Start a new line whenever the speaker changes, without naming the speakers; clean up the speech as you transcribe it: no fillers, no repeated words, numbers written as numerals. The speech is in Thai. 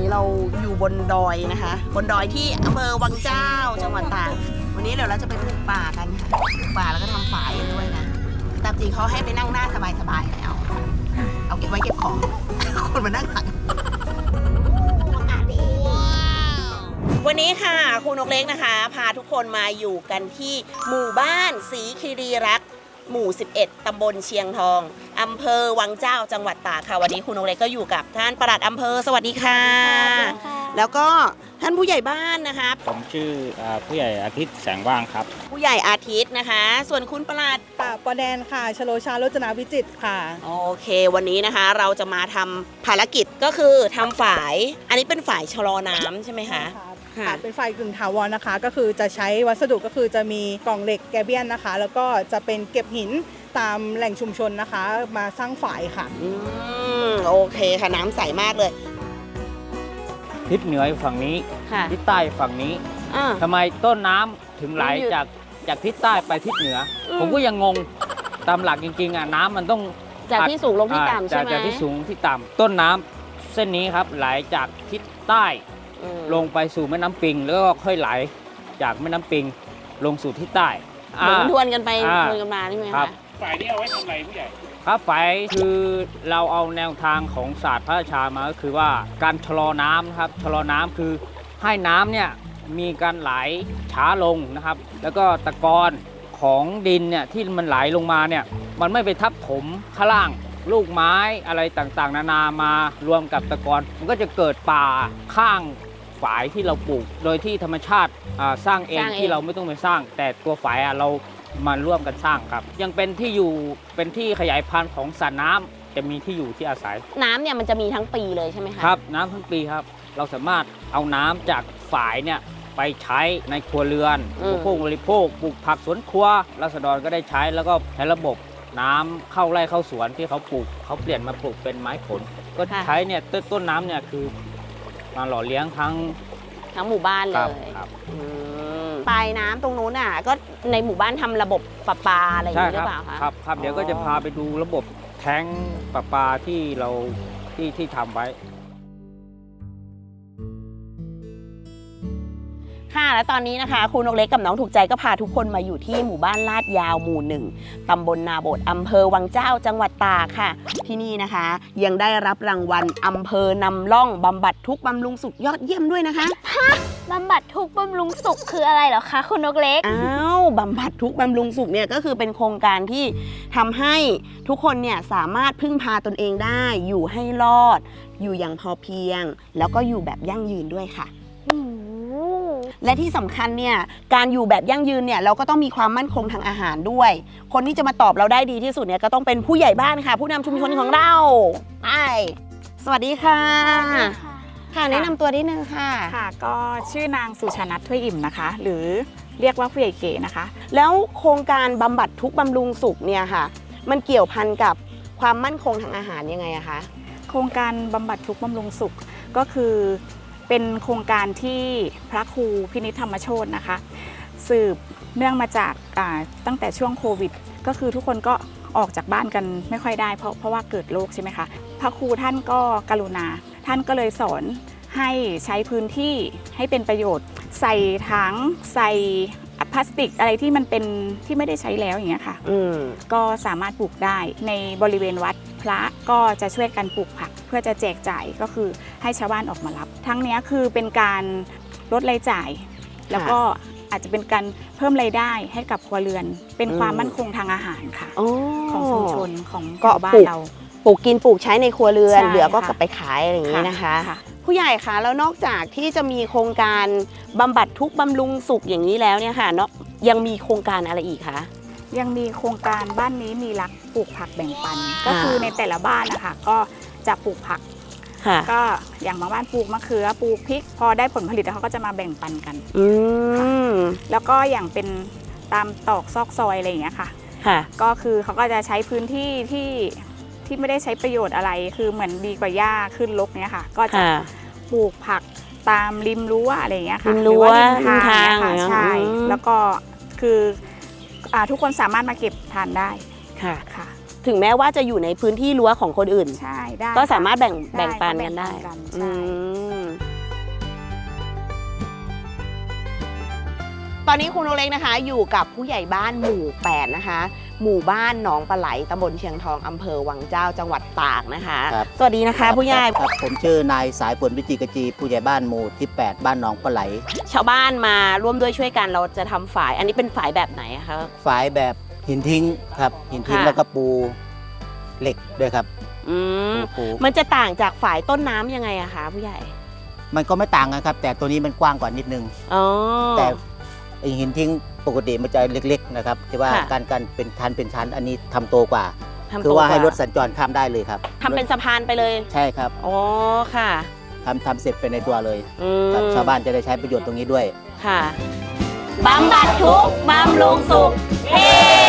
เราอยู่บนดอยนะคะบนดอยที่อำเภอวังเจ้าจังหวัดตากวันนี้เดี๋ยวเราจะไปปลูกป่ากันค่ะปลูกป่าแล้วก็ทำฝายด้วยนะตามจริงเขาให้ไปนั่งหน้าสบายๆเอาเก็บไว้เก็บของคนมานั่งหลังวันนี้ค่ะคุณนกเล็กนะคะพาทุกคนมาอยู่กันที่หมู่บ้านศรีคีรีรักษ์หมู่ 11 ตำบลเชียงทองอำเภอวังเจ้าจังหวัดตากค่ะวันนี้คุณนกเล็กก็อยู่กับท่านปลัดอำเภอสวัสดีค่ะแล้วก็ท่านผู้ใหญ่บ้านนะคะ
ผมชื่อผู้ใหญ่อาทิตย์แสงว่างครับ
ผู้ใหญ่อาทิตย์นะคะส่วนคุณปลัด
ปอแดนค่ะชโลชาโรจนาวิจิตรค่ะ
โอเควันนี้นะคะเราจะมาทำภารกิจก็คือทำฝายอันนี้เป็นฝายชะลอน้ำใช่ไหมคะ
เป็นไฟกึ่งถาวรนะคะก็คือจะใช้วัสดุก็คือจะมีกล่องเหล็กแกเบียนนะคะแล้วก็จะเป็นเก็บหินตามแหล่งชุมชนนะคะมาสร้างฝายค่ะ
โอเคค่ะน้ำใสมากเลย
ทิศเหนือฝั่งนี้ทิศใต้ฝั่งนี้ทำไมต้นน้ำถึงไหลจากทิศใต้ไปทิศเหนือผมก็ยังงงตามหลักจริงๆน้ำมันต้อง
จากที่สูงลงที่ต่ำใช่ไหม
จากที่สูงที่ต่ำต้นน้ำเส้นนี้ครับไหลจากทิศใต้ลงไปสู่แม่น้ำปิงแล้วก็ค่อยไหลจากแม่น้ำปิงลงสู่ทิศใต้
เหมือนทวนกันไปทวนกันมาใช่ไหมคะ
ฝ่ายนี้เอาไว้ทำอะไรผู้ใหญ่ครับฝ่ายคือเราเอาแนวทางของศาสตร์พระราชามาก็คือว่าการชะลอน้ำครับชะลอน้ำคือให้น้ำเนี่ยมีการไหลช้าลงนะครับแล้วก็ตะกอนของดินเนี่ยที่มันไหลลงมาเนี่ยมันไม่ไปทับถมข้างล่างลูกไม้อะไรต่างๆนานามารวมกับตะกอนมันก็จะเกิดป่าข้างฝายที่เราปลูกโดยที่ธรรมชาติสร้างเองที่เราไม่ต้องไปสร้างแต่ตัวฝายเรามาร่วมกันสร้างครับยังเป็นที่อยู่เป็นที่ขยายพันธุ์ของสัตว์น้ำจะมีที่อยู่ที่อาศัย
น้ำเนี่ยมันจะมีทั้งปีเลยใช่ไหมคะ
ครับน้ำทั้งปีครับเราสามารถเอาน้ำจากฝายเนี่ยไปใช้ในครัวเรือนผู้บริโภคปลูกผักสวนครัวราษฎรก็ได้ใช้แล้วก็ใช้ระบบน้ำเข้าไร่เข้าสวนที่เขาปลูกเขาเปลี่ยนมาปลูกเป็นไม้ผลก็ใช้เนี่ยต้นน้ำเนี่ยคือมาหล่อเลี้ยงทั้ง
หมู่บ้านเลยปลายน้ำตรงนู้นอ่ะก็ในหมู่บ้านทำระบบประปาอะไรอย่างนี้หรือเปล่าคะ
ครับเดี๋ยวก็จะพาไปดูระบบแท้งประปาที่เราที่ทำไว้
ค่ะและตอนนี้นะคะคุณนกเล็กกับน้องถูกใจก็พาทุกคนมาอยู่ที่หมู่บ้านลาดยาวหมู่ 1ตำบลนาโบดอำเภอวังเจ้าจังหวัดตากค่ะที่นี่นะคะยังได้รับรางวัลอำเภอนำร่องบำบัดทุกข์บำรุงสุขยอดเยี่ยมด้วยนะคะ
บำบัดทุกข์บำรุงสุขคืออะไรเหรอคะคุณนกเล็ก
บำบัดทุกข์บำรุงสุขเนี่ยก็คือเป็นโครงการที่ทำให้ทุกคนเนี่ยสามารถพึ่งพาตนเองได้อยู่ให้รอดอยู่อย่างพอเพียงแล้วก็อยู่แบบยั่งยืนด้วยค่ะและที่สำคัญเนี่ยการอยู่แบบยั่งยืนเนี่ยเราก็ต้องมีความมั่นคงทางอาหารด้วยคนที่จะมาตอบเราได้ดีที่สุดเนี่ยก็ต้องเป็นผู้ใหญ่บ้านค่ะผู้นำชุมชนของเราสวัสดีค่ะค่ะแนะนำตัวนิดนึงค่ะ
ค่ะก็ชื่อนางสุชานัทถ้วยอิ่มนะคะหรือเรียกว่าผู้ใหญ่เก๋นะคะ
แล้วโครงการบำบัดทุกข์บำรุงสุขเนี่ยค่ะมันเกี่ยวพันกับความมั่นคงทางอาหารยังไงอะคะ
โครงการบำบัดทุกข์บำรุงสุขก็คือเป็นโครงการที่พระครูพินิจธรรมโชตินะคะสืบเนื่องมาจากตั้งแต่ช่วงโควิดก็คือทุกคนก็ออกจากบ้านกันไม่ค่อยได้เพราะว่าเกิดโรคใช่ไหมคะพระครูท่านก็กรุณาท่านก็เลยสอนให้ใช้พื้นที่ให้เป็นประโยชน์ใส่ถังใส่พลาสติกอะไรที่มันเป็นที่ไม่ได้ใช้แล้วอย่างเงี้ยค่ะก็สามารถปลูกได้ในบริเวณวัดพระก็จะช่วยกันปลูกผักเพื่อจะแจกจ่ายก็คือให้ชาวบ้านออกมารับทั้งนี้คือเป็นการลดรายจ่ายแล้วก็อาจจะเป็นการเพิ่มรายได้ให้กับครัวเรือนเป็นความมั่นคงทางอาหารค่ะของชุมชนของบ้านเรา
ปลูกกินปลูกใช้ในครัวเรือนเหลือก็กลับไปขายอะไรอย่างนี้นะคะผู้ใหญ่คะแล้วนอกจากที่จะมีโครงการบำบัดทุกข์บำรุงสุขอย่างนี้แล้วเนี่ยค่ะยังมีโครงการอะไรอีกคะ
ยังมีโครงการบ้านนี้มีรักปลูกผักแบ่งปันก็คือในแต่ละบ้านนะคะก็จะปลูกผักก็อย่างบางบ้านปลูกมะเขือปลูกพริกพอได้ผลผลิตแล้วเขาก็จะมาแบ่งปันกันแล้วก็อย่างเป็นตามตอกซอกซอยอะไรอย่างเงี้ยค่ะก็คือเขาก็จะใช้พื้นที่ที่ไม่ได้ใช้ประโยชน์อะไรคือเหมือนดีกว่าหญ้าขึ้นรกเนี้ยค่ะก็จะปลูกผักตามริมรั้วอะไรอย่างเงี้ยค่ะ
ริมรั้วทาง
ใช่แล้วก็คือทุกคนสามารถมาเก็บทานได้
ค่ะถึงแม้ว่าจะอยู่ในพื้นที่รั้วของคนอื่น
ใช่ได้
ก็สามารถแบ่งปันกันได้ตอนนี้คุณนกเล็กนะคะ อยู่กับผู้ใหญ่บ้านหมู่ 8 นะคะ หมู่บ้านหนองปลาไหลตำบลเชียงทองอำเภอวังเจ้าจังหวัดตากนะคะ
ครับ
สวัสดีนะคะ ผู้ใหญ่
ครับผมชื่อนายสายฝนวิจิกจีผู้ใหญ่บ้านหมู่ที่ 8 บ้านหนองปลาไหล
ชาวบ้านมาร่วมด้วยช่วยกันเราจะทำฝาย อันนี้เป็นฝายแบบไหนอะคะ
ฝายแบบหินทิ้งครับหินทิ้ง
ค่ะ
แล้วก็ปูเหล็กด้วยครับ
อืม
ปู
มันจะต่างจากฝายต้นน้ำยังไงอะคะผู้ใหญ่
มันก็ไม่ต่างกันครับ แต่ตัวนี้มันกว้างกว่านิดนึง
อ๋อ
แต่ไอ้หินทิ้งปกติมันจะเล็กๆนะครับที่ว่า
ค่ะ
การเป็นชั้นอันนี้ทำโตกว่า
ทำ
คือว่า
โตก
ให้รถสัญจรข้ามได้เลยครับ
ทำเป็นสะพานไปเลย
ใช่ครับ
อ๋อค่ะ
ทำเสร็จไปในตัวเลย
อืม
ครับชาวบ้านจะได้ใช้ประโยชน์ตรงนี้ด้วย
ค่ะบำบัดทุกข์บำรุงสุขเฮ้